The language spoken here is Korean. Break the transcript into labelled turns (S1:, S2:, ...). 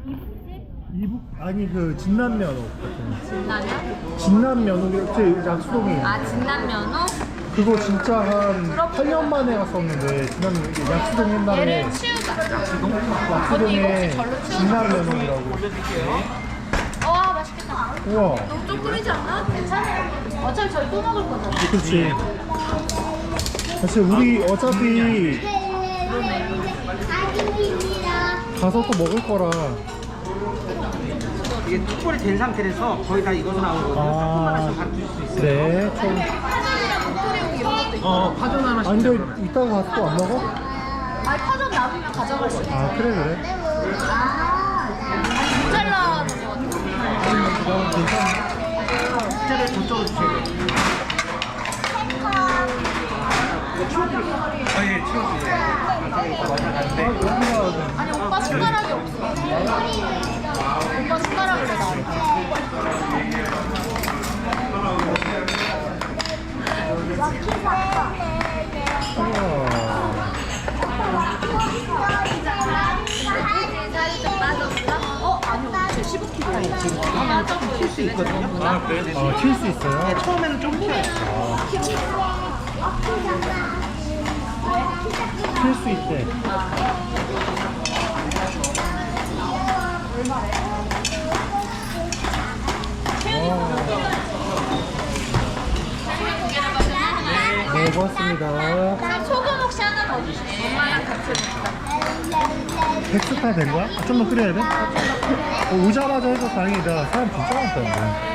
S1: 이북 아니 그 진남면허 같은.
S2: 진라면?
S1: 진남면허 제 약수동에.
S2: 아, 진남면허?
S1: 그거 진짜 한 8년 만에 갔었는데 진남면 약수동 옛날에
S2: 얘를 치우자. 언니 이거
S1: 약수동에
S2: 혹시 절로 치우자.
S1: 진남면허라고.
S2: 와, 맛있겠다.
S1: 우와.
S2: 너무 좀 끓이지 않아? 괜찮아요. 어차피 저희 또 먹을 거잖아.
S1: 그렇지. 사실 우리 어차피 가서 또 먹을 거라.
S3: 이게 툭불이 된 상태라서 거의 다 익어서 나오거든요. 조금만 하시면 바로 드실 수 있어요.
S1: 네.
S2: 파전이랑 목도리용 이런 것도 있고.
S3: 파전 하나씩.
S1: 아 근데 이따가 가서 또 안 먹어?
S2: 아니, 파전 남으면 가져갈 수 있어.
S1: 아 그래 그래.
S2: 모짜렐라 넣은 거 같아.
S3: 숫자를 저쪽으로 주세요. 예, 치워주세요.
S2: 아니, 오빠 숟가락이 없어. 오빠 숟가락을 왜 나한테. 어? 아니, 오늘 15kg.
S3: 지금 하면 조금 튈수 있거든요.
S1: 아 튈 수 있어요?
S3: 네, 처음에는 좀 튀어요.
S1: 튈 수 있대. 네, 고맙습니다.
S2: 소금 혹시 하나 더 주세요. 엄마랑 같이 먹자.
S1: 백스타 된 거야? 아, 좀더 끓여야 돼? 오자마자 해서 다행이다. 사람 진짜 많다.